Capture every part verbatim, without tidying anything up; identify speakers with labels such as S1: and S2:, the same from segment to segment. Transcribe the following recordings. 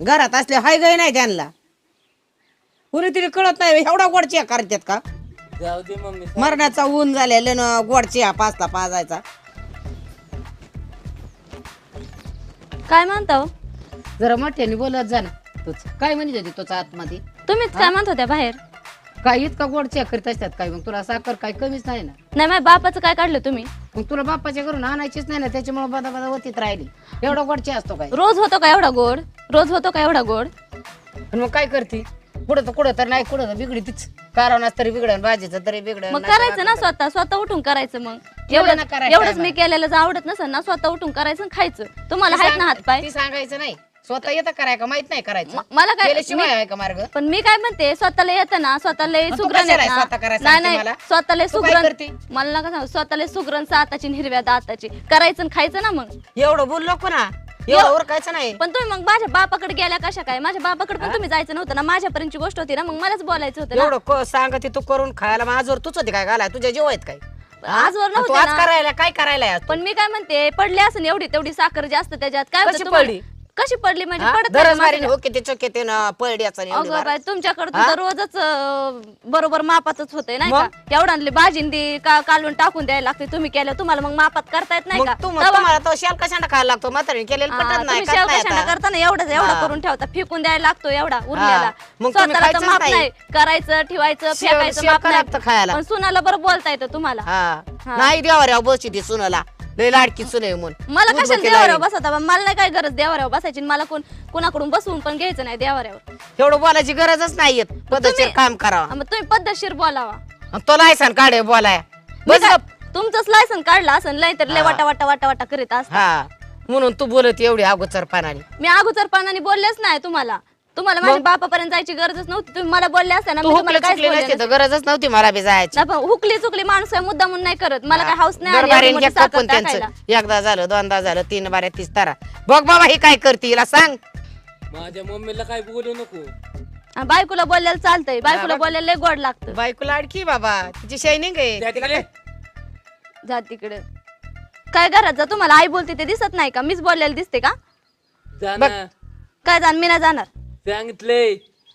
S1: घरात असले हाय गय नाही त्यांना कुणी तरी कळत नाही एवढा गोड चिया करतात का
S2: जाऊ दे मम्मी
S1: मरणाचा ऊन झालेलं गोड चिया पाचता पाजायचा
S3: काय म्हणता हो?
S1: जरा मोठ्याने बोलत जा ना तूच काय म्हणत होती तुझ्या आतमध्ये
S3: तुम्हीच काय म्हणत होत्या बाहेर
S1: काय इतका गोड चिया करीत असतात काय मग तुला साखर काय कमीच नाही ना
S3: नाही माझ्या बापाचं काय काढलं तुम्ही
S1: मग तुला बाप्पाच्या घरून आणायचीच नाही ना त्याच्यामुळे बदा बदा होतीत राहिली एवढा गोड चिया असतो काय
S3: रोज होतो का एवढा गोड रोज होतो का एवढा गोड
S1: आणि मग काय करते कुठं तर कुठं तर नाही कुठं तर बिघडी तीच कारणास तरी बिघडन भाजीचं तरी बिघडन
S3: मग करायचं ना स्वतः स्वतः उठून करायचं मग
S1: केवढं
S3: एवढं
S1: ना करायचं
S3: एवढंच
S1: आहे
S3: मी केलेलं जर आवडत नसेल ना स्वतः उठून करायचं आणि खायचं तुम्हाला आहेत ना हात पाय
S1: ती सांगायचं नाही स्वतः येतं कराय का माहित नाही करायचं
S3: म- मला काय
S1: केल्याशिवाय आहे का मार्ग
S3: पण मी काय म्हणते स्वतःला येतं ना स्वतःला
S1: मग तू
S3: सुग्रण
S1: कशाला
S3: येत
S1: स्वतः
S3: ना
S1: करायला
S3: नाही
S1: सांगते
S3: नाही
S1: मला?
S3: स्वतःला
S1: तू काय
S3: सुग्रण
S1: करते?
S3: मला नका सांगू स्वतःला सुग्रण साताची आणि हिरव्या दाताची करायचं आणि खायचं ना मग
S1: एवढं बोललो को ना एवढं ओरखायचं नाही
S3: पण तुम्ही मग माझ्या बापाकडे गेल्या कशा काय माझ्या बापाकडे पण तुम्ही जायचं नव्हतं ना माझ्यापर्यंतची गोष्ट होती ना मग मलाच बोलायचं होतं ना
S1: एवढं को- सांगते तू करून खायला मग आजवर तूच होती काय घालाय तुझ्या जेव आहेत काय
S3: आजवर
S1: आणि तू
S3: नव्हते
S1: आज
S3: ना
S1: करायला काय करायला आहे आज तू?
S3: पण मी काय म्हणते पडली असं एवढी तेवढी साखर जास्त त्याच्यात काय होतं
S1: कशी
S3: तुम्हाला?
S1: पडली?
S3: कशी पडली म्हणजे
S1: हा?
S3: पडत नाही
S1: दरज
S3: ना
S1: मारीने
S3: माझ्या-
S1: हो किती चोके ते ना पळड्याचा आणि एवढी
S3: अगं
S1: मार.
S3: बाई तुमच्याकडे तर रोजच अं, बरोबर मापातच होतंय नाही का एवढा भाजींदी का कालवून टाकून द्यायला लागते तुम्ही केलं तुम्हाला मग मापात करता येत नाही
S1: मग
S3: का
S1: तू मग
S3: तेव्हा-
S1: तुम्हाला तो शाल कशाला खायला लागतो म्हातारीने केलेलं
S3: हा,
S1: पटत नाही
S3: तुम्ही
S1: खात
S3: शेव
S1: नाही
S3: कशाला
S1: आता.
S3: करता ना एवढंच एवढं
S1: हा.
S3: करून ठेवता फेकून द्यायला लागतो एवढा उरलेला
S1: मग तुम्ही
S3: स्वतःला तर
S1: खायचंच
S3: माप
S1: नाही.
S3: नाही करायचं ठेवायचं
S1: शेव-
S3: फेकायचं
S1: शेव
S3: माप
S1: का लागतं
S3: नाही
S1: खायला?
S3: पण सुनाला बरं बोलता येतं तुम्हाला
S1: हा
S3: हा.
S1: नाही देवा बसची ती सुनाला लय लाडकी सुने म्हणून
S3: मला
S1: दूध
S3: कशाला
S1: बकेला
S3: देवाऱ्यावर
S1: आहे.
S3: बसवता बा? मला नाही काय गरज देवाऱ्यावर बसायची आणि मला कोण कोणाकडून बसवून पण घ्यायचं नाही देवाऱ्यावर
S1: एवढं बोलायची गरजच नाहीये पद्धतशीर
S3: तुम्ही-
S1: काम करावं
S3: हा, मग तुम्ही पद्धतशीर बोलावा
S1: आणि तो लायसन काढे बोलाय
S3: मी
S1: बस
S3: काय-
S1: गप.
S3: तुमचंच लायसन काढलं असं नाही तर लय
S1: हा.
S3: वाटा वाटा वाटा वाटा करीत असता
S1: हा म्हणून तू बोलत एवढी अगोचर पानाने
S3: मी अगोदर पानाने बोललेच नाही तुम्हाला तुम्हाला माझ्या बापापर्यंत जायची गरजच नव्हती तुम्ही मला बोलले असते ना
S1: तू
S3: मी
S1: हुकले
S3: तुम्हाला काहीच
S1: चुकले
S3: बोलले
S1: नसते
S3: नसते.
S1: तर गरजच नव्हती मला बी जायची
S3: नाही, पण हुकली चुकली माणूस आहे मुद्दा म्हणून नाही करत मला काय हाऊस नाही आली
S1: दरबारीने
S3: एवढी मोठी
S1: घ्या
S3: साखर
S1: कापून
S3: टाकायला.
S1: त्यांचं एकदा झालं दोनदा झालं तीन बाऱ्या तीस तारा बघ बाबा ही काय करते हिला सांग
S2: माझ्या मम्मीला काय बोलू नको
S3: आणि बायकोला बोललेलं चालतंय बायकोला बोलायला लय गोड लागतं
S1: बायको लाडकी बाबा तिची शायनिंग आहे
S2: त्या
S1: तिला
S2: तिकडे
S1: काय-
S3: जा तिकडे काय घरात जा तुम्हाला आई बोलते ते दिसत नाही का मीच बोललेलं दिसते का
S2: जा
S1: बघ.
S2: ना
S3: काय जाण मी नाही जाणार
S2: सांगितलंय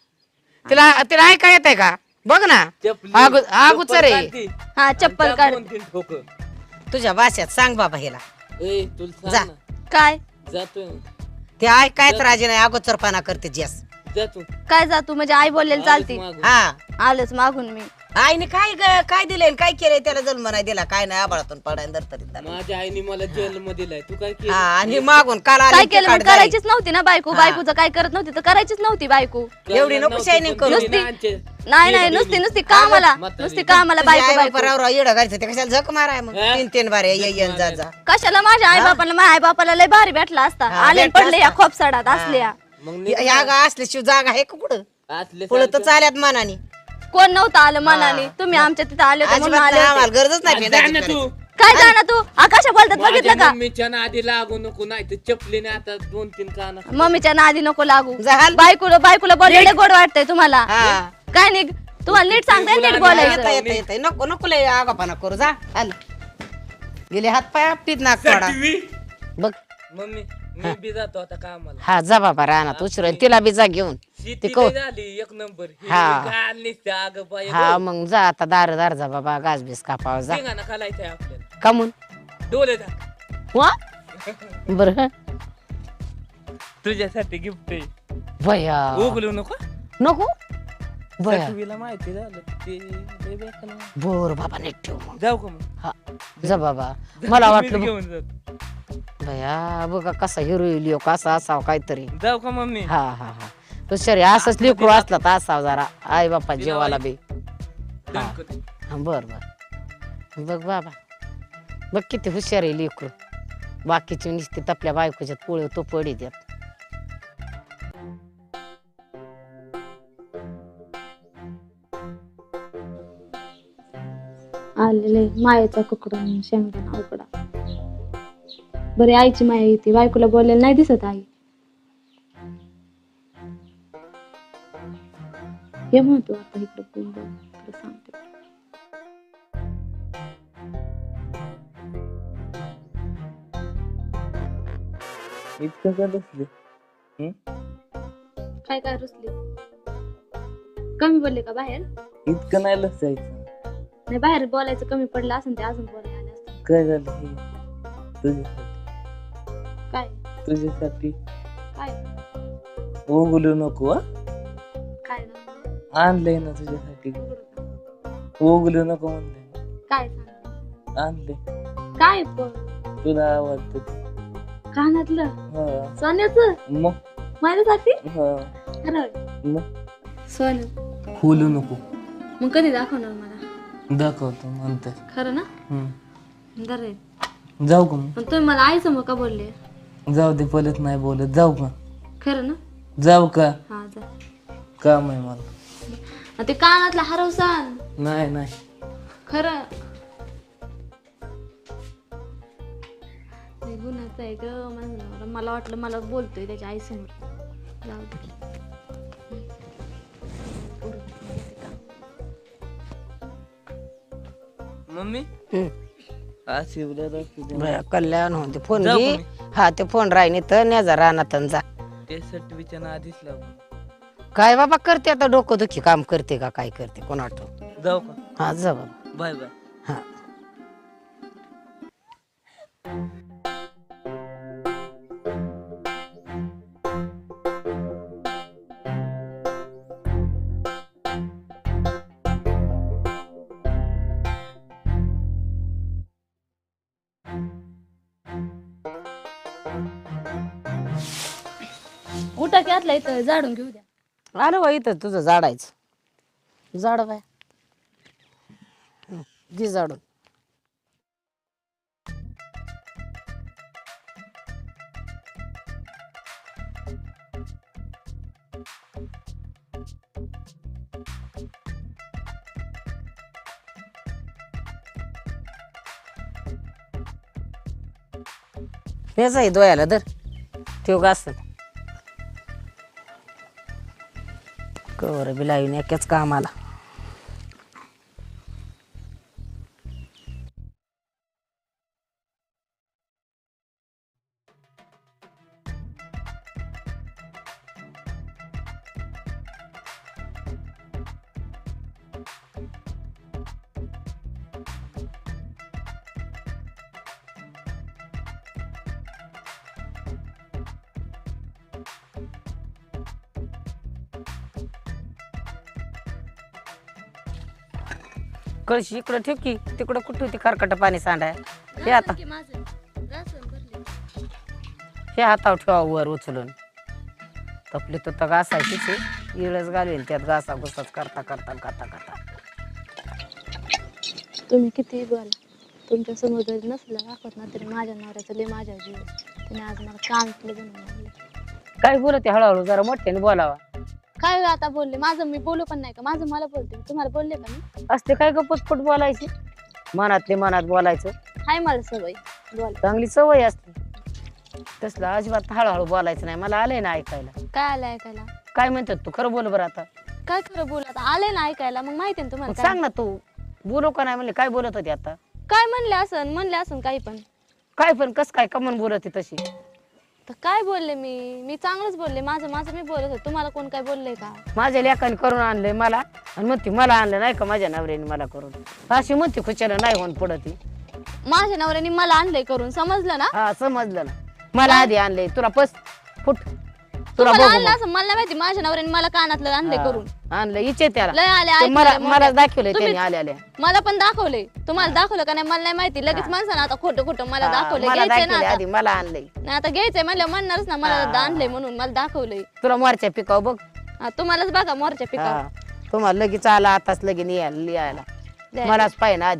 S1: तिला तिला ऐका येते का बघ ना
S2: चपली
S1: आगु- आगुचर
S2: चप्पल
S1: आहे
S2: काढती.
S3: हा चप्पल
S2: आणि
S3: काढ
S2: त्या दोन तीन ठोकं.
S1: तुझ्या भाषेत सांग बाबा हिला
S2: ए तुला
S1: जा.
S2: सांग ना
S3: काय
S2: जातो
S1: ते ऐकायच राजी नाही अगोचरपणा करते जस
S2: जातो
S3: काय जा तू म्हणजे आई बोललेलं चालते
S2: मागून.
S1: हा
S3: आलंच मागून मी
S1: आईने काय ग- काय दिलंय आणि काय केलंय त्याला जन्म नाही दिला काय नाही आबाळातून पडाय तर तरी त्याला.
S2: माझ्या आईने मला जेल मध्ये दिलाय तू काय
S1: हा
S2: केलं
S1: आणि मागून काल आली
S3: काय
S1: ती
S3: केलं मग
S1: काढ झाली.
S3: करायचीच नव्हती ना बायको
S1: हा.
S3: बायकोचं काय करत नव्हती तर करायचीच नव्हती बायको
S1: एवढी नको शायनिंग करू.
S3: नुसती- नाही नाही नुसती नुसती कामाला
S2: म्हातारी.
S3: नुसती कामाला
S1: तुझ्या
S3: बायको
S1: आई
S3: बायको
S1: बापारावर येडं घालचं ते कशाला झक माराय मग
S2: हा?
S1: तीन तीन बारे ये ये जा जा
S3: कशाला माझ्या आई बापाला माझ्या आई बापाला लय भारी भेटला असता
S1: हा,
S3: आले
S1: भेटला
S3: पडले या
S1: असता.
S3: खोपसाडात असल्या
S2: मग
S1: या- या गा असल्याशिवाय जागा आहे का कुठं
S2: असले
S1: पुढं तर चाल्यात मनाने
S3: कोण नव्हतं आलं मनाने तुम्ही आमच्या तिथे आले होते म्हणून
S1: अजिबात
S3: आले
S1: नाही,
S3: होते.
S1: आम्हाला गरजच नाही
S2: जा
S1: भेटायची
S2: ना तू
S1: करायची.
S3: काय जाणार तू आकाशा बोलतात
S2: माझ्या
S3: बघितलं का
S2: मम्मीच्या नादी लागू नको नाही तर चपलीने आता दोन तीन काना
S3: मम्मीच्या नादी नको लागू
S1: झाल.
S3: बायकोला बायकोला बोललेले गोड वाटतंय तुम्हाला
S1: हा.
S3: काय नाही तुम्हाला नीट सांगताय नीट
S1: येता
S3: बोलायचं
S1: येता येता नको नको लय आगापाना करू जा आल गेले हात पाय आपटीत नाक तोडा बघ
S2: मम्मी मी बी जातो आता कामाला
S1: हा जा बाबा रानात उशिरा तिला बी जा घेऊन
S2: शेती
S1: को-
S2: लय झाली एक नंबर
S1: हा.
S2: अग बाई
S1: हा मग जा आता दार दार जा बाबा गाज बीस कापाव जा
S2: शेंगाना खालायचंय आपल्याला
S1: कमून
S2: डोले टाक
S1: वा बर
S2: तुझ्यासाठी गिफ्ट आहे
S1: बया
S2: उगलू नको
S1: नको बया
S2: तुला माहिती झालं ते लय बेकार आहे.
S1: बर बाबा नीट ठेव मग
S2: जाऊ का मग
S1: हा जा बाबा मला वाटलं
S2: मीच घेऊन जातो
S1: बया बघा कसा हिरो लिओ कसा असावा काहीतरी
S2: जाऊ का मम्मी
S1: हा हा हा हुशारी असंच लेकरू असला तर असावं जरा आई बापा जेवाला बी हा हा, बर बर बघ बाबा बघ किती हुशार आहे लेकरू बाकीची नुसती आपल्या बायकोच्यात पोळे तो पडी देत
S3: आलेले मायेचा कुकडा शेंगदाणा उकडा बरे आईची माया येते बायकोला बोलायला नाही दिसत आई हे म्हणतो आता इकडे बोल बोल, तुला सांगते
S2: इतकं का बसले
S3: काय काय रुसली कमी बोलले का बाहेर
S2: इतकं नाही लसायचं.
S3: नाही बाहेर बोलायचं कमी पडलं असं ते अजून बोलायला आले असते.
S2: काय झालं हे? तुझ्यासाठी
S3: काय
S2: तुझ्यासाठी
S3: काय
S2: ओगलू नको हा?
S3: काय ना
S2: आणलंय ना तुझ्यासाठी. ओगलू नको म्हणलंय.
S3: काय सांग
S2: आणले
S3: काय पण
S2: तुला आवडत.
S3: कानातलं
S2: हा
S3: सोन्याचं
S2: मग
S3: माझ्यासाठी
S2: हा
S3: खरं
S2: मग
S3: सोनं
S2: खोलू नको.
S3: मग कधी दाखवणार मला
S2: दाखवतो म्हणतात.
S3: खरं ना
S2: हम्म.
S3: बरं
S2: जाऊ का मग?
S3: पण तुम्ही मला आईचं मग का बोलले
S2: जाऊ दे पलत नाही बोलत. जाऊ का?
S3: खरं ना
S2: जाऊ का?
S3: हा जा
S2: काम आहे मला.
S3: आणि ते कानातला हरवसान
S2: नाही नाही
S3: खरं लय गुन्हाचं आहे ग माझं नवरा. मला वाटलं मला बोलतोय त्याच्या आई समोर. जाऊ दे
S2: मम्मी
S1: हम्म.
S2: आज शिवला दाखवू
S1: बरं, कल्याण होते फोन
S2: जाऊ
S1: घे.
S2: का मी?
S1: हा ते फोन राहिनी तर न्याजा रानात आणि जा.
S2: ते सटवीच्या आधीच लागू.
S1: काय बाबा करते आता डोकं दुखी काम करते का काय करते कोण आठव.
S2: जाऊ का?
S1: हा जा बाबा.
S2: Bye bye.
S1: हा
S3: उठा की आतला इथं झाडून घेऊ द्या.
S1: आलं बा इथं तुझं झाडायचं झाड बाय घे झाडून. हेच आहे दोयाला धर ठेव का असत कवर बी लावून एकाच कामाला. कळशी इकडं ठेव की तिकडं कुठं होती खरकट पाणी सांडाय. हे आता
S3: की माझं रासन भरले.
S1: हे हातावर ठेवा वर उचलून तपली तर तर घासायचीच आहे. इळच घालवेल त्यात घासा घुसाच करता करता करता करता.
S3: तुम्ही किती बोला तुमच्या समोर जरी नसलं दाखवत ना तरी माझ्या नवऱ्याचं लय माझ्या जीव त्याने आज मला कानातलं बनवून आणलं.
S1: काय बोलते हळूहळू जरा मोठ्याने बोलावा.
S3: काय गं आता बोलले माझं मी बोलू पण नाही का माझं मला बोलते तुम्हाला बोलले का मी
S1: असते काय ग पटपट बोलायची मनातले मनात बोलायचं.
S3: हाय मला सवय बोल
S1: चांगली सवय असते तसलं अजिबात हळूहळू बोलायचं नाही. मला आलंय ना ऐकायला.
S3: काय आलं ऐकायला
S1: काय म्हणतात तू खरं बोल बरं आता.
S3: काय खरं बोल आता आले ना ऐकायला मग माहिती ना तुम्हाला
S1: मग
S3: काय.
S1: सांग ना तू बोलू का नाही म्हणले काय बोलत होती आता.
S3: काय म्हणले असं म्हणले असं काही पण
S1: काय पण कस काय कमन बोलत होती तशी.
S3: तर काय बोलले मी मी चांगलंच बोलले माझं माझं मी बोलत होते तुम्हाला कोण काय बोलले का.
S1: माझ्या लेकाने करून आणलंय मला आणि म्हणते मला आणलं नाही का माझ्या नवऱ्याने मला करून अशी म्हणते खुशाला नाही होऊन पुढं ती.
S3: माझ्या नवऱ्याने मला आणलंय करून समजलं ना.
S1: हा समजलं ना. मला आधी आणलंय तुला पस फुट तुला
S3: तुम्हाला
S1: बघू
S3: आणलं
S1: मग.
S3: असं मला नाही माहिती माझ्या नवऱ्याने मला कानातलं आणलंय करून
S1: हा, आणलं इचे त्याला
S3: लय आले
S1: ते
S3: ऐकायला,
S1: मला
S3: मोठ्या.
S1: मला दाखवलंय
S3: तुम्ही-
S1: त्यांनी आल्या आल्या
S3: मला पण दाखवले तुम्हाला दाखवलं का नाही मला नाही माहिती लगेच माणसानं आता खोटं खोटं मला
S1: हा,
S3: दाखवलंय
S1: मला
S3: घ्यायचंय ना
S1: दाखवलंय
S3: आता.
S1: आधी मला आणलंय.
S3: नाही आता घ्यायचंय म्हणलं म्हणणारच ना मला
S1: हा.
S3: आणलंय म्हणून मला दाखवलंय.
S1: तुला मोरच्या पिकाव बघ.
S3: हा, तुम्हालाच बघा मोरच्या पिका
S1: हा तुम्हाला लगेच आला आताच लगेच लिहायला लिहायला मलाच पाहिजे ना आधी.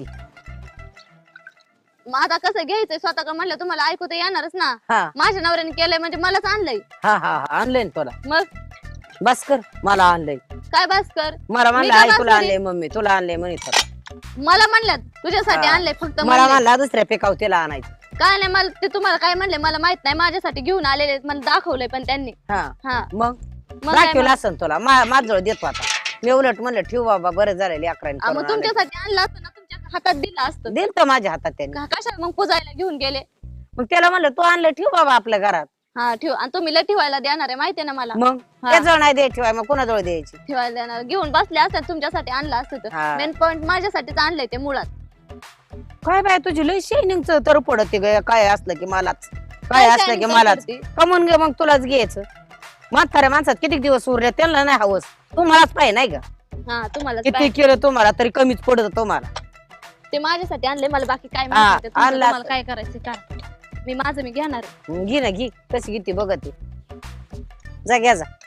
S3: मग आता कसं घ्यायचंय स्वतः का म्हणलं तुम्हाला ऐकू तर येणारच ना.
S1: हा
S3: माझ्या नवऱ्याने केलंय म्हणजे मलाच आणलंय.
S1: हा हा हा, आणलंय ना तुला.
S3: मग
S1: बस कर मला आणलंय.
S3: काय बस कर
S1: मला म्हणलं
S3: काय
S1: आई
S3: बस
S1: तुला
S3: करी?
S1: आणलंय मम्मी तुला आणलंय म्हणत होता.
S3: मला म्हणल्यात तुझ्यासाठी
S1: हा.
S3: आणलंय फक्त
S1: मला
S3: म्हणले.
S1: म्हणला दुसऱ्या पिकाव तिला आणायचं.
S3: काय नाही मला ते तुम्हाला काय म्हणले मला माहित नाही माझ्यासाठी घेऊन आलेले आहेत, मला दाखवलंय पण त्यांनी.
S1: हा
S3: हा
S1: मग
S3: मग काय
S1: दाखवलं
S3: मग?
S1: असन तुला माझजवळ देतो आता. मी उलट म्हणलं ठेव बाबा बरं झालेली अकराने
S3: हा,
S1: करून
S3: मग तुमच्यासाठी आणलं असतं ना तुमच्या हातात दिलं असतं.
S1: दिल तर माझ्या हातात त्यांनी.
S3: का- कशाला मग पुजायला घेऊन गेले.
S1: मग त्याला म्हणलं तू आणलं ठेव बाबा आपल्या घरात.
S3: हा ठेव. आणि तुम्ही लय ठेवायला देणार आहे माहितीये ना मला.
S1: मग
S3: हा.
S1: त्याजवळ नाही द्यायची बाय, मग कोणाजवळ द्यायची?
S3: ठेवायला देणार, घेऊन बसले असतात तुमच्यासाठी आणलं असतं तर.
S1: हा.
S3: मेन पॉइंट माझ्यासाठीच आणलंय ते मुळात.
S1: काय बाय तुझी लय शायनिंगच तर पडत काय असलं की मलाच, काय
S3: काय
S1: असलं की
S3: shining
S1: मलाच
S3: करते?
S1: कमवून घे, मग तुलाच घ्यायचं. म्हाताऱ्या माणसात किती दिवस उरले त्यांना नाही हवस, तुम्हालाच पाहिजे नाही का?
S3: हा तुम्हाला
S1: किती केलं तुम्हाला तरी कमीच पडत तुम्हाला.
S3: ते माझ्यासाठी आणले, मला बाकी काय
S1: हा,
S3: माहिती तुमचं
S1: आणलं
S3: तुम्हाला
S1: असतं.
S3: काय करायचं काय. मी माझं मी घेणार आहे.
S1: घे ना घे, कशी किती बघत आहे. जा घ्या जा.